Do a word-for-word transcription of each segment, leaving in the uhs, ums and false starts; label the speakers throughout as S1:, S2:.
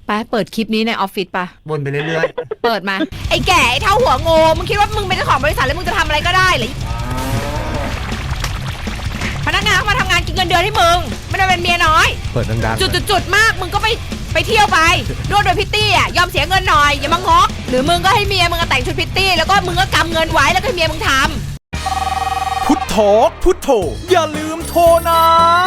S1: ไปเปิดคลิปนี้ในออฟฟิศปะ
S2: วนไปเรื่อย
S1: ๆเปิดมาไอ้แก่ไอ้เท่าหัวโง่มึงคิดว่ามึงเป็นเจ้าของบริษัทแล้วมึงจะทำอะไรก็ได้เหรอพนักงานเขามาทำงานกินเงินเดือนให้มึงไม่ได้เป็นเมียน้อย
S3: เปิดดัง
S1: ๆจุดๆมากมึงก็ไปไปเที่ยวไปด้วยโดยพิตตี้อ่ะยอมเสียเงินหน่อยอย่ามางกหรือมึงก็ให้เมียมึงแต่งชุดพิตตี้แล้วก็มึงก็กำเงินไว้แล้วก็ให้เมียมึงทำ
S4: พุทโธพุทโธอย่าลืมโทรนะ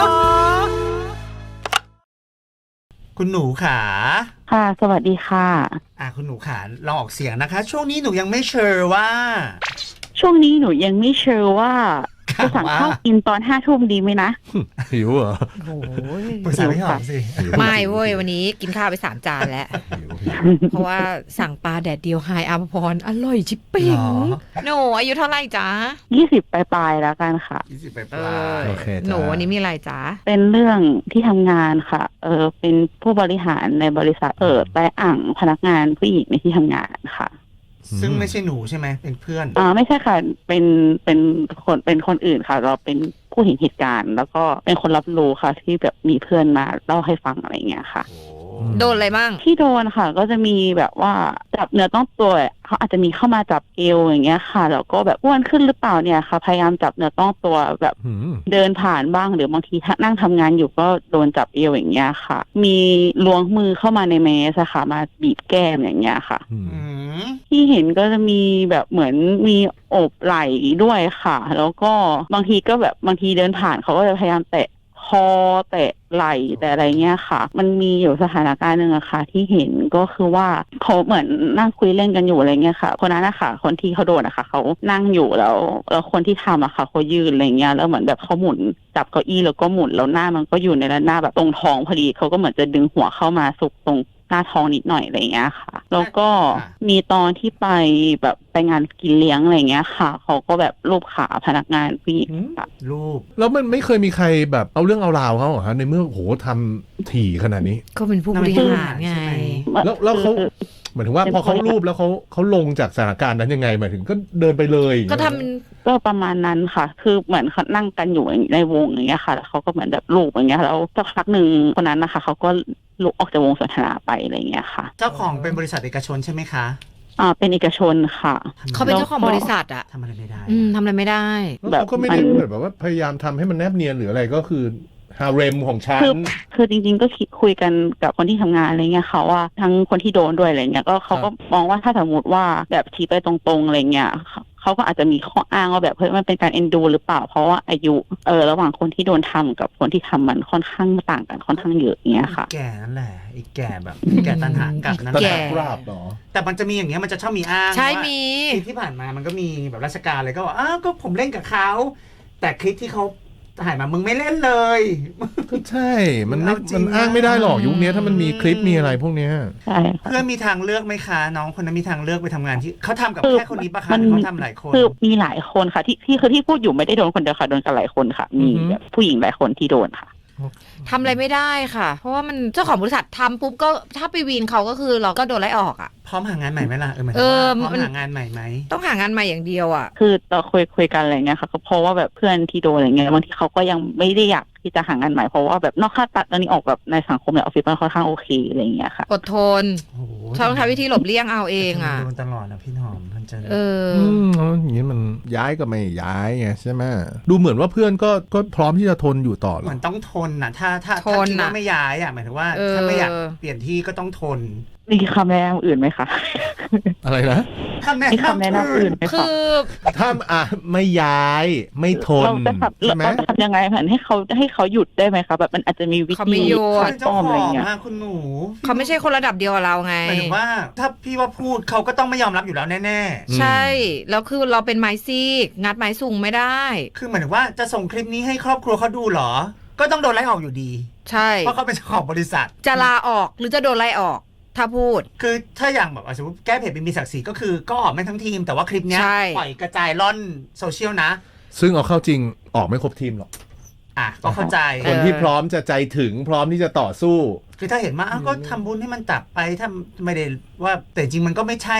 S2: คุณหนูขา
S5: ค่ะสวัสดีค่ะ
S2: อ่าคุณหนูขาลองออกเสียงนะคะช่วงนี้หนูยังไม่เชื่อว่า
S5: ช่วงนี้หนูยังไม่เชื่อว่าจะสั่งข้าวกินตอนห้าทุ่มดีไหมนะ
S3: หิวเหรอ
S1: โอ้ย
S2: ปรึกษาพี่หอมสิ
S1: ไม่เว้ยวันนี้กินข้าวไปสามจานแล้วเพราะว่าสั่งปลาแดดเดียวไฮอาภพรอร่อยชิปปิ้งหนูอายุเท่าไหร่จ๊ะ
S5: ยี่สิบปลายๆแล้วกันค่ะ
S2: ยี่สิบปลาย
S3: โอเค
S1: หนูวันนี้มีอะไรจ๊ะ
S5: เป็นเรื่องที่ทำงานค่ะเออเป็นผู้บริหารในบริษัทเออแต่อ่างพนักงานผู้หญิงในที่ทำงานค่ะ
S2: ซึ่งไม่ใช่หนูใช่ไหมเป็นเพื่อน
S5: อ่าไม่ใช่ค่ะเป็นเป็นคนเป็นคนอื่นค่ะเราเป็นผู้เห็นเหตุการณ์แล้วก็เป็นคนรับรู้ค่ะที่แบบมีเพื่อนมาเล่าให้ฟังอะไรเงี้ยค่ะ
S1: โดนอะไรบ้าง
S5: ที่โดนค่ะก็จะมีแบบว่าจับเนื้อต้องตัวเขาอาจจะมีเข้ามาจับเอวอย่างเงี้ยค่ะแล้วก็แบบอ้วนขึ้นหรือเปล่าเนี่ยค่ะพยายามจับเนื้อต้องตัวแบบเดินผ่านบ้างหรือบางทีนั่งทำงานอยู่ก็โดนจับเอวอย่างเงี้ยค่ะมีล้วงมือเข้ามาในเมสค่ะมาบีบแก้มอย่างเงี้ยค่ะที่เห็นก็จะมีแบบเหมือนมีโอบไหล่ด้วยค่ะแล้วก็บางทีก็แบบบางทีเดินผ่านเขาก็จะพยายามแตะคอแตะไหล่แต่อะไรเงี้ยค่ะมันมีอยู่สถานการณ์หนึ่งอะค่ะที่เห็นก็คือว่าเขาเหมือนนั่งคุยเล่นกันอยู่อะไรเงี้ยค่ะคนนั้นอะค่ะคนที่เขาโดนอะค่ะเขานั่งอยู่แล้วแล้วคนที่ทำอะค่ะเขายืนอะไรเงี้ยแล้วเหมือนแบบเขาหมุนจับเก้าอี้แล้วก็หมุนแล้วหน้ามันก็อยู่ในระนาบแบบตรงท้องพอดีเขาก็เหมือนจะดึงหัวเข้ามาสุกตรงหน้าท้องนิดหน่อยอะไรเงี้ยค่ะแล้วก็มีตอนที่ไปแบบไปงานกินเลี้ยงอะไรเงี้ยค่ะเขาก็แบบลูบขาพนักงานผู้หญิง
S2: ลูบ
S3: แล้วมันไม่เคยมีใครแบบเอาเรื่องเอาราวเขาเหรอฮะในเมื่อโหทำถี่ขนาดนี้
S1: ก็เป็นผู้บริหารไง
S3: แล้วแล้วเขาหมายถึงว่าพอเขารูปแล้วเขาเขาลงจากสถานการณ์นั้นยังไงหมายถึงก็เดินไปเลย
S1: ก็ท
S5: ำก็ประมาณนั้นค่ะคือเหมือนเขานั่งกันอยู่ในวงอย่างเงี้ยค่ะแล้วเขาก็เหมือนแบบลูบอย่างเงี้ยแล้วสักพักหนึ่งคนนั้นนะคะเขาก็ลุกออกจากวงสนทนาไปอะไรเงี้ยค่ะ
S2: เจ้าของเป็นบริษัทเอกชนใช่ไหมคะ
S5: อ่าเป็นเอกชนค่ะ
S1: เขาเป็นเจ้าของบริษัทอะ
S2: ทำอะไรไม่ได้
S1: อืมทำอะไรไม่ได้
S3: แบบก็ไม่ได้แบบว่าพยายามทำให้มันแนบเนียนหรืออะไรก็คือฮาเร็มของฉัน
S5: คือคือจริงๆก็คุยกันกับคนที่ทำงานอะไรเงี้ยค่ะว่าทั้งคนที่โดนด้วยอะไรเงี้ยก็เขาก็มองว่าถ้าสมมติว่าแบบชี้ไปตรงๆอะไรเงี้ยเขาก็อาจจะมีข้ออ้างว่าแบบเฮ้ยมันเป็นการเอ็นดูหรือเปล่าเพราะว่าอายุเออระหว่างคนที่โดนทำกับคนที่ทำมันค่อนข้างต่างกันค่อนข้างเยอะอย่างเงี้ยค่ะ
S2: แก่นั่นแหละอีกแก่แบบแก่ตันหากับนั่นแหละแต่มันจะมีอย่างเงี้ยมันจะชอบมีอ้าง
S1: ใช่มี
S2: ที่ผ่านมามันก็มีแบบราชการเลยก็บอกอ้าวก็ผมเล่นกับเขาแต่คลิปที่เขาถ่ายมามึงไม่เล่นเลย
S3: ก็ใช่มันมันอ้างไม่ได้หรอกยุคนี้ถ้ามันมีคลิปมีอะไรพวกเนี้ย
S5: ใช่
S2: เพื่อนมีทางเลือกไหมคะน้องคนนั้นมีทางเลือกไปทำงานที่เขาทำกับแค่คนนี้ปะคะเขาทำหลายคน
S5: คือมีหลายคนค่ะที่ที่คือที่พูดอยู่ไม่ได้โดนคนเดียวค่ะโดนกันหลายคนค่ะมีแบบผู้หญิงหลายคนที่โดนค่ะ
S1: ทำอะไรไม่ได้ค่ะเพราะว่ามันเจ้าของบริษัททำปุ๊บก็ถ้าไปวีนเขาก็คือเราก็โดนไล่ออกอ่ะ
S2: พร้อมหางานใหม่ไหมล่ะเออหมายถึงว่าพร้อมหางานใหม่ไหม
S1: ต้องหางานใหม่อย่างเดียวอ่ะ
S5: คือเราคุยคุยกันอะไรเงี้ยค่ะก็เพราะว่าแบบเพื่อนที่โดนอะไรเงี้ยบางทีเขาก็ยังไม่ได้อยากที่จะหางานใหม่เพราะว่าแบบนอกค่าตัดตอนนี้ออกแบบในสังคมในออฟฟิศมันค่อนข้างโอเคอะไรเงี้ยค่ะ
S1: อดทนชอบใช้วิธีหลบเลี่ยงเอาเองอ่ะ
S2: โดนตลอดนะพี่หอมมันจะ
S1: เออ
S3: อย่างนี้มันย้ายก็ไม่ย้ายไงใช่ไหมดูเหมือนว่าเพื่อนก็ก็พร้อมที่จะทนอยู่ต่อ
S2: เหมือนต้องทนนะถ้าถ้าถ้าคิดว่าไม่ย้ายอ่ะหมายถึงว่าถ้าไม่อยากเปลี่ยนที่ก็ต้องทน
S5: มีคำแนะนำอื่นไหมคะ
S3: อะไรนะ
S2: คำแนะ
S5: นำอื่นไหมคะ
S1: คือ
S3: ถ้าอ่ะไม่ย้ายไม่ทน
S5: ใช่ไหมเราจะทำยังไงผ่านให้เขาให้เขาหยุดได้ไหมคะแบบมันอาจจะมีวิธี
S2: ขัดป้อมอะไรเงี้ยคุณหนู
S1: เขาไม่ใช่คนระดับเดียวกับเราไง
S2: หมายถึงว่าถ้าพี่ว่าพูดเขาก็ต้องไม่ยอมรับอยู่แล้วแน่
S1: ๆใช่แล้วคือเราเป็นไม้ซีกงัดไม้สูงไม่ได้
S2: คือหมายถึงว่าจะส่งคลิปนี้ให้ครอบครัวเขาดูหรอก็ต้องโดนไล่ออกอยู่ดี
S1: ใช่
S2: เพราะเขาเป็นเจ้าของบริษัท
S1: จะลาออกหรือจะโดนไล่ออกถ้าพูด
S2: คือถ้าอย่างแบบสมมติแก้เพจเป็นมีศักดิ์ศรีก็คือก็ออกไม่ทั้งทีมแต่ว่าคลิปเนี้ยปล่อยกระจายล่อนโซเชียลนะ
S3: ซึ่งเอาเข้าจริงออกไม่ครบทีมหรอก
S2: อ่ะก็เข้าใจ
S3: คนที่พร้อมจะใจถึงพร้อมที่จะต่อสู้
S2: คือถ้าเห็นมาก็ทำบุญให้มันตับไปถ้าไม่ได้ว่าแต่จริงมันก็ไม่ใช่ไง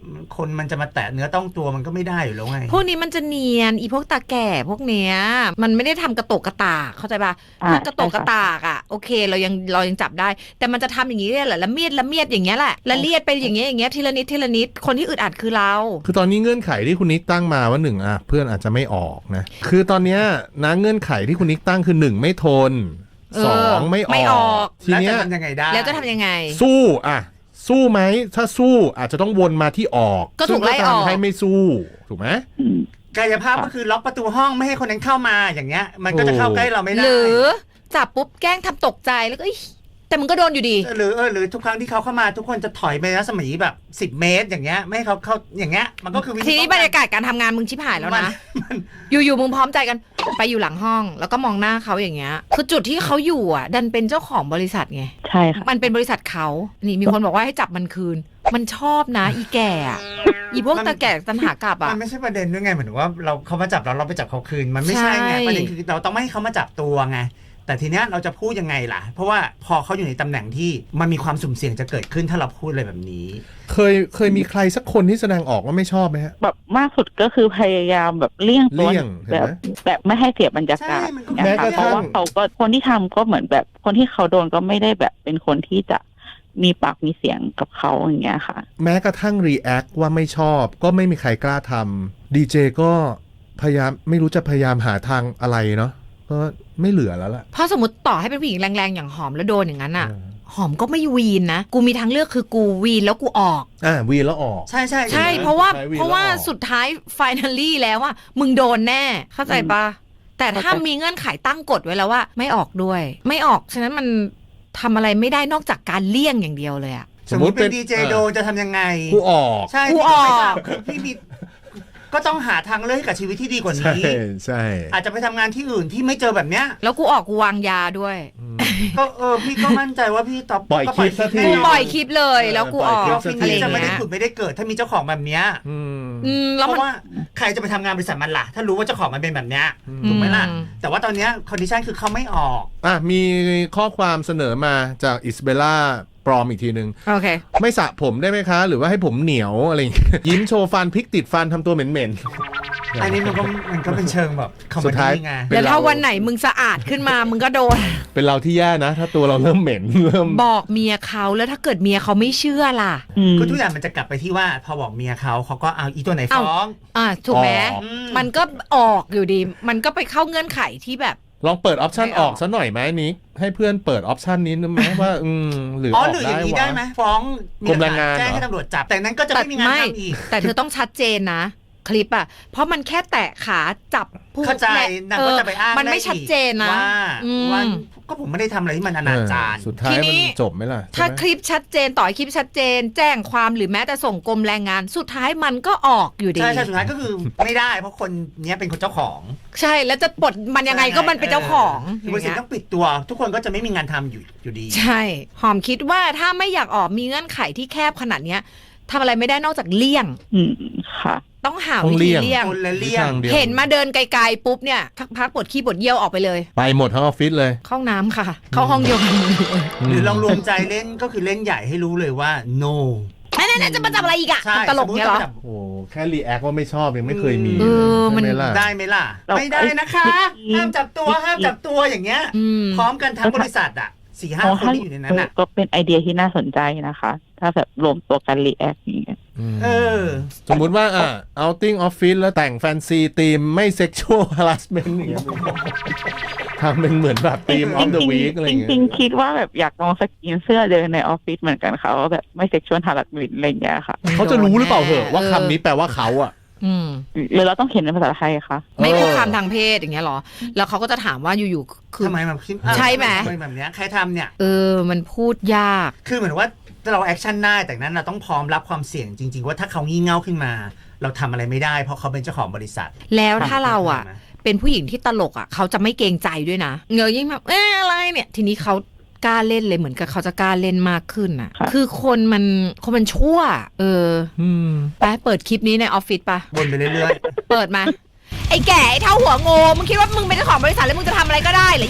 S2: คนมันจะมาแตะเนื้อต้องตัวมันก็ไม่ได้อยู่แล้วไง
S1: พวกนี้มันจะเนียนอีพวกตาแก่พวกเนี้ยมันไม่ได้ทำกระโตกกระตากเข้าใจป่ะ
S5: อ่า
S1: ถ้ากระโตกกระตากอ่ะโอเคเรายังเรายังจับได้ แต่มันจะทำอย่างนี้เนี่ยแหละละเมียดละเมียดอย่างเงี้ยแหละละเลียดไปอย่างเงี้ยอย่างเงี้ยทีละนิดทีละนิดคนที่อึดอัดคือเรา
S3: คือตอนนี้เงื่อนไขที่คุณนิกตั้งมาว่าหนึ่งอ่ะเพื่อนอาจจะไม่ออกนะคือตอนเนี้ยนะเงื่อนไขที่คุณนิกตั้งคือหนึ่งไม่ทน
S1: เออ
S3: สองไม่อ
S1: ไม่อ
S3: อ
S1: อก ก
S3: ที
S2: แล้ว
S3: เนี้
S2: จะ
S3: ย
S2: ทำยังไงได้
S1: แล้วจะทำยังไง
S3: สู้อ่ะสู้ไหมถ้าสู้อาจจะต้องวนมาที่ออก
S1: ก็ถูกไล่ออก
S3: ซึ่งทำให้ไม่สู้ถูกไหม
S5: อืม
S2: กายภาพก็คือล็อกประตูห้องไม่ให้คนนั้นเข้ามาอย่างเงี้ย มันก็จะเข้าใกล้เราไม่ได้
S1: หรือจับปุ๊บแกล้งทำตกใจแล้วก็อิ๊ยแต่มึงก็โดนอยู่ดี
S2: หรือเออหรือทุกครั้งที่เขาเข้ามาทุกคนจะถอยไปรัศมีแบบสิบเมตรอย่างเงี้ยไม่ให้เขาเข้าอย่างเงี้ยมันก็คือวิธี
S1: ทีนี้
S2: ป้อง
S1: บร
S2: กั
S1: รยากาศการทำงานมึงชิบหายแล้ว
S2: มัน
S1: นะ อยู่ๆมึงพร้อมใจกันไปอยู่หลังห้อง แล้วก็มองหน้าเขาอย่างเงี้ย คือจุดที่เขาอยู่อ่ะ ดันเป็นเจ้าของบริษัทไง
S5: ใช่ค่ะ
S1: มันเป็นบริษัทเขานี่มีคนบอกว่าให้จับมันคืน มันชอบนะ อีแก่อะอีพวกตาแก่ตันหากลับอ่ะ
S2: มันไม่ใช่ประเด็นด้วยไงเหมือนว่าเราเขามาจับเราเราไปจับเขาคืนมันไม่ใช่ไง
S1: ใช่
S2: ประเด็นคือเราต้องไม่ให้เขามาจับตัวไงแต่ทีเนี้ยเราจะพูดยังไงล่ะ เพราะว่าพอเขาอยู่ในตำแหน่งที่มันมีความสุ่มเสี่ยงจะเกิดขึ้นถ้าเราพูดอะไรแบบนี้
S3: เคยเคยมีใครสักคนที่แสดงออกว่าไม่ชอบไหมฮะ
S5: แบบมากสุดก็คือพยายามแบบเลี่ยงตัว
S3: เลี่ยงเห็น
S5: แบ
S3: ไหม
S5: บแบบไม่ให้เสียบรรยากาศ
S2: ใช่มันก็
S5: เนี่ย
S3: แม้ก
S5: ค่ะ
S3: ระ
S5: เพ
S3: ทั่ง
S5: ราะว่าเขาก็คนที่ทำก็เหมือนแบบคนที่เขาโดนก็ไม่ได้แบบเป็นคนที่จะมีปากมีเสียงกับเขาอย่างเงี้ยค่ะ
S3: แม้กระทั่งรีแอคว่าไม่ชอบก็ไม่มีใครกล้าทำดีเจก็พยายามไม่รู้จะพยายามหาทางอะไรเนาะก็ไม่เหลือแล้วล่ะ
S1: เพราะสมมติต่อให้เป็นผู้หญิงแรงๆอย่างหอมแล้วโดนอย่างนั้นอ่ะ หอมก็ไม่วีนนะ กูมีทางเลือกคือกูวีนแล้วกูออก
S3: อ่าวีแล้วออก
S2: ใช่ใช่
S1: ใช่
S3: ใช่ไหม
S1: เพราะว่า
S3: ใช้วีน
S1: เพราะว่า
S3: แล้วออก
S1: สุดท้ายไฟน a ลี่แล้วว่ามึงโดนแน่ เข้าใจปะแต่ถ้า
S5: เข้าใจ
S1: มีเงื่อนไขตั้งกฎไว้แล้วว่า ไม่ออกด้วย ไม่ออกฉะนั้นมันทำอะไรไม่ได้นอกจากการเลี่ยงอย่างเดียวเลยอะ
S2: สมมติเป็นดีเจโดนจะทำยังไง
S3: กูออก
S2: ใช่
S1: กู
S2: พี่
S1: ออก
S2: ไม่ทราบคือพี่มีก็ต้องหาทางเลือกให้กับชีวิตที่ดีกว่า
S3: ใช่
S2: นี้
S3: ใช่
S2: อาจจะไปทำงานที่อื่นที่ไม่เจอแบบเนี้ย
S1: แล้วกูออกกูวางยาด้วย
S2: ก็เออพี่ก็มั่นใจว่าพี่ตอบ
S3: ปล่อย
S2: ก็
S3: คลิปสักที
S2: แน่
S1: กู
S2: นน
S1: ปล่อยคลิปเลยแล้วกูออก
S3: ปล่
S2: อ
S3: อย
S2: อฟ
S3: คลิ
S2: ฟิ
S3: ป
S2: ศ
S3: สักที
S2: นี้
S1: อะไรอ
S2: จะ
S1: ย่าง
S2: ไม่ได้
S1: เงี้ย
S2: ขุดไม่ได้เกิด ถ้ามีเจ้าของแบบเนี้ย
S3: อืม
S1: อืม
S2: เพ
S1: แล้วมัน
S2: ราะว่าใครจะไปทำงานบริษัทมันล่ะ ถ้ารู้ว่าเจ้าของมันเป็นแบบเนี้ย
S3: อืม
S2: ถูกไหมล่ะ
S1: อืม
S2: แต่ว่าตอนเนี้ยคอนดิชันคือเขาไม่ออก
S3: อ่ะมีข้อความเสนอมาจากอิสเบล่าปลอมอีกทีหนึ่ง
S1: โอเค
S3: ไม่สระผมได้ไหมคะ หรือว่าให้ผมเหนียวอะไรอย่างเงี้ย ยิ้มโชว์ฟันพลิกติดฟันทำตัวเหม็นๆ
S2: อันนี้มันก็มันก็เป็นเชิงแบบคอมเม
S3: สุดท้าย
S2: ดี้ไง
S3: เป็น
S1: แล้วถ้า
S3: เรา
S1: วันไหนมึงสะอาดขึ้นมา มึงก็โดน
S3: เป็นเราที่แย่นะ ถ้าตัวเราเริ่มเหม็น เริ่ม
S1: บอกเมียเขาแล้วถ้าเกิดเมียเขาไม่เชื่อล่ะ
S5: อืม
S2: คือทุกอย่างมันจะกลับไปที่ว่าพอบอกเมียเขาเขาก็เอาอีตัวไหน
S1: เอ้า
S2: ฟ้อง
S1: อ่าถูกไหม
S3: ออก
S2: อืม
S1: มันก็ออกอยู่ดี มันก็ไปเข้าเงื่อนไขที่แบบ
S3: ลองเปิดออปชัน
S1: ไม่
S3: อ
S1: อ
S3: อ
S1: อก ก
S3: ซะหน่อยไหมนิกให้เพื่อนเปิดออปชันนี้นึกไหมว่า อืมหรือ
S2: อ๋
S3: อ
S2: อ
S3: อก
S2: หรืออ
S3: ได้
S2: ย่างนี้
S3: วะ
S2: ได้ไหมฟ้อง
S3: กรมแรงงาน
S2: แจ้งให้
S3: เหรอ
S2: ตำรวจจับ แต่นั้นก็จะไม่มีงานทำอีก
S1: แต่เธอต้องชัดเจนนะ คลิปอ่ะ เพราะมันแค่แตะขาจับผู้
S2: เข้าใจ
S1: และ
S2: นางก็จะไปอ้าง
S1: มันไม่
S2: ด้อีก
S1: ชัดเจนนะ
S2: ว่า
S1: อืม
S2: ว่าก็ผมไม่ได้ทำอะไรที่มันอนาจาร
S3: เออสุดท้าย
S1: ทีนี้
S3: มันจบไหมล่ะ
S1: ถ้า
S3: ใช่ไหม
S1: คลิปชัดเจนต่อให้คลิปชัดเจน แจ้งความหรือแม้แต่ส่งกรมแรงงาน สุดท้ายมันก็ออกอยู่ดี
S2: ใช่ใช่สุดท้ายก็คือไม่ได้ เพราะคนเนี้ยเป็นคนเจ้าของ
S1: ใช่แล้วจะปลดมันยังไงก็มันเป็นเจ้าของอบ
S2: ริ
S1: ย่าง
S2: ษัท
S1: เงี้ย
S2: ต้องปิดตัว ทุกคนก็จะไม่มีงานทำอยู่อยู่ดี
S1: ใช่ หอมคิดว่าถ้าไม่อยากออกมีเงื่อนไขที่แคบขนาดเนี้ยทำอะไรไม่ได้นอกจากเลี่ยง
S5: อืมค่ะ
S1: ต้องหา
S3: ต้อ
S1: วิ
S3: ง
S1: ธี
S3: เลี่ยง
S1: เลี่ยง
S2: คนละเลี่ยง
S3: ทางดียว
S1: เห็นมาเดินไกลๆปุ๊บเนี่ยพักพักปวดขี้ปวดเยี่ยวออกไปเลย
S3: ไปหมดทั้งออฟฟิศเลย
S1: เข้าห้องน้ำค่ะ เข้าห้องเดียวกัน
S2: หรือลองรวมใจเล่นก็คือเล่นใหญ่ให้รู้เลยว่า no
S1: นั่นๆจะมาจับอะไรอีกอะ
S2: ใช่
S1: ตลกเนี่ยเหรอ
S2: สมมุติจะมาจับ
S3: โอ้แค่รีแอคว่าไม่ชอบยังไม่เคยมี
S1: เออมัน
S3: ใช่ไหล่ะ
S2: ได้ไหมล่ะ
S5: เรา
S2: ไม่ได้นะคะ ห้ามจับตัวห้ามจับตัวอย่างเงี้ย
S1: อืม
S2: พร้อมกันทั้งบริษัทอ่ะสี่ห้าคนที่อยู่ในนั้นอ่ะ
S5: ก็เป็นไอเดียที่น่าสนใจนะคะ ถ้าแบบรวมตัวกันรีแอคอย่างเงี้ย
S3: ม
S2: เออ
S3: สมมุติว่าอ่ะ outing office แล้วแต่งแฟนซีทีมไม่ sexual harassment อย่างเงี้ยทำเป็นเหมือนแบบทีม of the week อะไร
S5: จ
S3: อย่างเงี้ย
S5: ริงๆคิดว่าแบบอยากลองสกรีนเสื้อเดินในออฟฟิศเหมือนกันค่ะว่าแบบไม่เซ็กชวลฮาร์ดวินอะไรอย่างเงี้ยค่ะ
S3: เขาจะรู้หรือเปล่าเหอะว่า
S1: เออ
S3: คำนี้แปลว่าเขาอ่ะ
S1: อืม
S5: หรือเราต้องเขียนเป็นภาษาไทยคะ
S1: ไม่
S3: เออ
S1: คุกคามทางเพศอย่างเงี้ยเหรอ แล้วเขาก็จะถามว่าอยู่ๆคือ
S2: ทำไมมันคิด
S1: ใช่ไหม
S2: ทำแบบเนี้ยใครทำเนี่ย
S1: เออมันพูดยาก
S2: คือเหมือนว่าเราแอคชั่นได้แต่นั้นเราต้องพร้อมรับความเสี่ยงจริง ๆ ว่าถ้าเขางี่เง่าขึ้นมา เราทำอะไรไม่ได้เพราะเขาเป็นเจ้าของบริษัท
S1: แล้วถ้าเราอ่ะ เป็นผู้หญิงที่ตลกอ่ะเขาจะไม่เกรงใจด้วยนะเงยยิ่งแบบเอ๊ะอะไรเนี่ย ทีนี้เขากล้าเล่นเลยเหมือนกับเขาจะกล้าเล่นมากขึ้นอ่ะ คือคนมันคนมันชั่ว เออ
S3: อืม
S1: ไปเปิดคลิปนี้ในออฟฟิศปะ
S2: วนไปเรื่อย
S1: เปิดมา ไอ้แก่ไอ้เท่าหัวโงมึงคิดว่ามึงเป็นเจ้าของบริษัทแล้วมึงจะทำอะไรก็ได้เหรอ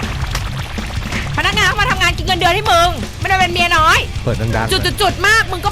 S1: พนักงานเข้ามาทำงานกินเงินเดือนให้มึงไม่ได้เป็นเมียน้อย
S3: เปิดดังๆ
S1: จุดจุดจุดๆๆมากมึงก็ไป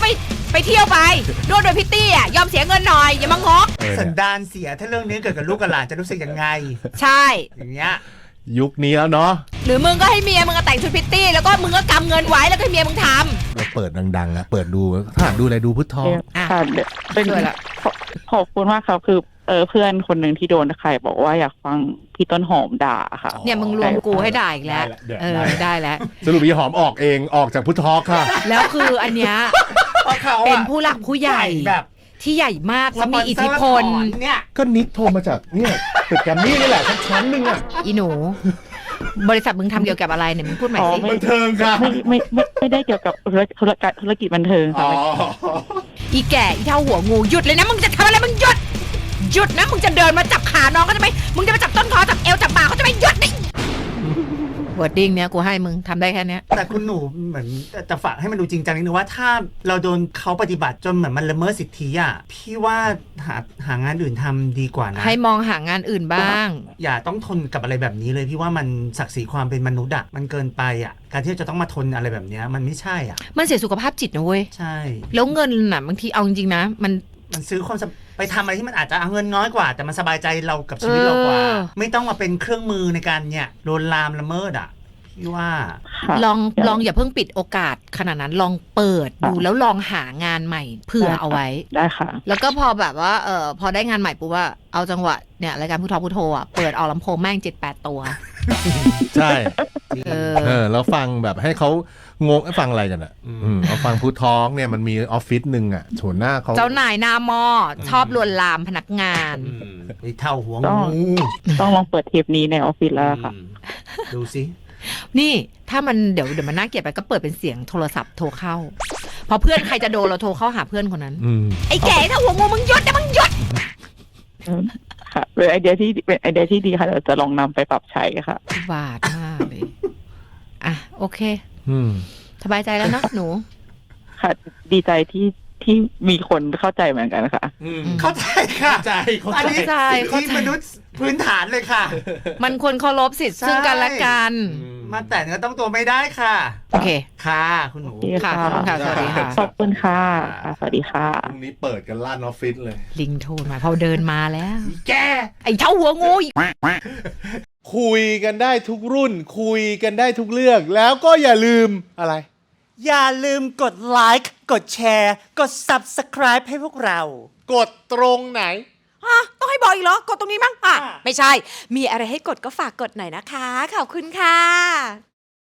S1: ไปเที่ยวไปนวดโดยพิตตี้อ่ะยอมเสียเงินหน่อยอย่ามางก
S3: เออ
S2: สัน
S3: เนี่ย
S2: ดานเสียถ้าเรื่องนี้เกิดกับลูกกับหลานจะรู้สึกยังไง
S1: ใช่
S2: อย่างเงี้ย
S3: ยุคนี้แล้วเนาะ
S1: หรือมึงก็ให้เมียมึงก็แต่งชุดพิตตี้แล้วก็มึงก็กำเงินไว้แล้วก็ให้เมียมึงท
S3: เราเปิดดังๆอะเปิดดูถ้าหากดูอะไรดูพุทธทอง
S1: อ่ะ
S5: ค่ะเดี๋ยวเป็น
S1: ช่วยละ
S5: ขอขอบคุณมากครับคือเออเพื่อนคนหนึ่งที่โดนใครบอกว่าอยากฟังพี่ต้นหอมด่าค่ะ
S1: ำเนี่ยมึงรวมกูให้ได้อีกแล้ว
S3: ได้ละเดี๋ยว
S1: เออ
S3: ได้
S1: ได้แล้ว
S3: สรุปพี่หอมออกเองออกจากพุทธทองค่ะ
S1: แล้วคืออันเนี้ย
S2: เพราะเขาอะ
S1: เป็นผู้หลักผู้ใหญ่
S2: แบบ
S1: ที่ใหญ่มากแล้วมีอิทธิพล
S2: สปอนเซอร์ถอนเนี่ย
S3: ก็นิกโทรมาจากเนี่ยตึกแกรมมี่นี่แหละชั้นหนึ่งอะ
S1: อีหนู บริษัทมึงทำเกี่ยวกับอะไรเนี่ยมึงพูดใหม่
S5: อ๋อ
S1: สิ
S5: ไม่
S3: บันเทิงค่ะ
S5: ไม่ไม่ไม่ไม่ได้เกี่ยวกับธุรธุรกิจธุรกิจบันเทิง
S3: อ๋
S5: ค่ะ
S3: อ
S1: อีแก่อีเท่าหัวงูหยุดเลยนะมึงจะทำอะไรมึงหยุดหยุดนะมึงจะเดินมาจับขาน้องเขาจะไหมมึงจะมาจับต้นคอจับเอวจับบ่าเขาจะไหมหยุดดิวอร์ดดิ้งเนี้ยกูให้มึงทำได้แค่เนี้ย
S2: แต่คุณหนูเหมือนจะฝากให้มันดูจริงจังนิดนึงว่าถ้าเราโดนเขาปฏิบัติจนเหมือนมันละเมิดสิทธิอ่ะพี่ว่าหาหางานอื่นทำดีกว่านะ
S1: ให้มองหางานอื่นบ้าง
S2: อย่าต้องทนกับอะไรแบบนี้เลยพี่ว่ามันศักดิ์ศรีความเป็นมนุษย์อ่ะมันเกินไปอ่ะการที่จะต้องมาทนอะไรแบบเนี้ยมันไม่ใช่อ่ะ
S1: มันเสียสุขภาพจิตนะเว้ย
S2: ใช่
S1: แล้วเงินน่ะบางทีเอาจริงๆนะมัน
S2: มันซื้อความสบไปทำอะไรที่มันอาจจะเอาเงินน้อยกว่า แต่มันสบายใจเรากับชีวิตเรากว่า
S1: เออ
S2: ไม่ต้องมาเป็นเครื่องมือในการเนี่ยโดนลามละเมิดอ่ะพี่ว่า
S5: ค่ะ
S1: ลองลองอย่าเพิ่งปิดโอกาสขนาดนั้นลองเปิดดูแล้วลองหางานใหม่เผื่อเอาไว้
S5: ได้ค่ะ
S1: แล้วก็พอแบบว่าเออพอได้งานใหม่ปุ๊บว่าเอาจังหวะเนี่ยรายการผู้ทอผู้โทอ่ะเปิดเอาลำโพงแม่งเจ็ดแปดตัว
S3: ใช่
S1: เออ
S3: เออแล้วฟังแบบให้เขางงฟังอะไรกันอ่ะ
S2: อืม
S3: อืมเอาฟังพุทธทองเนี่ยมันมีออฟฟิศหนึ่งอ่ะโฉนหน้าเขา
S1: เจ้านายหน้าหม้อชอบลวนลามพนักงาน
S2: อืมไอ้เท่าหัว
S5: ต้อง
S2: งู
S5: ต้องลองเปิดเทปนี้ในออฟฟิศแล้วค่ะ
S2: อืมดูสิ
S1: นี่ถ้ามันเดี๋ยวเดี๋ยวมันน่าเกลียดไปก็เปิดเป็นเสียงโทรศัพท์โทรเข้า พอเพื่อนใครจะโดนเราโทรเข้าหาเพื่อนคนนั้น
S3: อืม
S1: ไอ้แก่ถ้าหัวงูมึงหยุดนะมึงหยุด
S5: ค่ะเป็นไอเดียที่เป็นไอเดียที่ดีค่ะเดี๋ยวจะลองนำไปปรับใช้ค่ะ
S1: บาดมากเลยอ่ะโอเค
S3: อืม
S1: สบายใจแล้วเนอะหนู
S5: ค่ะ ดีใจที่ที่มีคนเข้าใจเหมือนกันค่ะ
S2: เข้าใจค่ะ
S3: ใจเขา
S2: อันนี้
S1: เข้าใจ
S2: สิ่ง
S1: เข้า
S2: ที่
S1: ใจ
S2: มนุษย์พื้นฐานเลยค่ะ
S1: มันควรเคารพสิทธิ์ซึ่งกันและกัน
S2: มาแต่เนื้อต้องตัวไม่ได้ค่ะ
S1: โอเค
S2: ค่ะคุณหนู
S5: โอเค
S1: ค่ะขอบคุณค่ะสวัสดีค่ะ
S5: ขอบคุณค่ะค่ะสวัสดีค่ะ
S3: พรุ่งนี้เปิดกันลั่นออฟฟิศเลย
S1: ลิงโทรมาพอเดินมาแล้ว
S2: แก
S1: ไอ้เท่าหัวงูอีก
S3: คุยกันได้ทุกรุ่น คุยกันได้ทุกเรื่อง แล้วก็อย่าลืมอะไร
S2: อย่าลืมกดไลค์กดแชร์กด Subscribe ให้พวกเรา
S3: กดตรงไหน
S6: ฮะต้องให้บอกอีกเหรอ กดตรงนี้มั้งอ่ะ
S2: อ่ะ
S6: ไม่ใช่ มีอะไรให้กดก็ฝากกดหน่อยนะคะ ขอบคุณค่ะ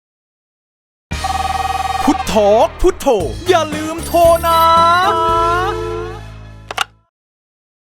S4: พุทโธพุทโธอย่าลืมโทรนะ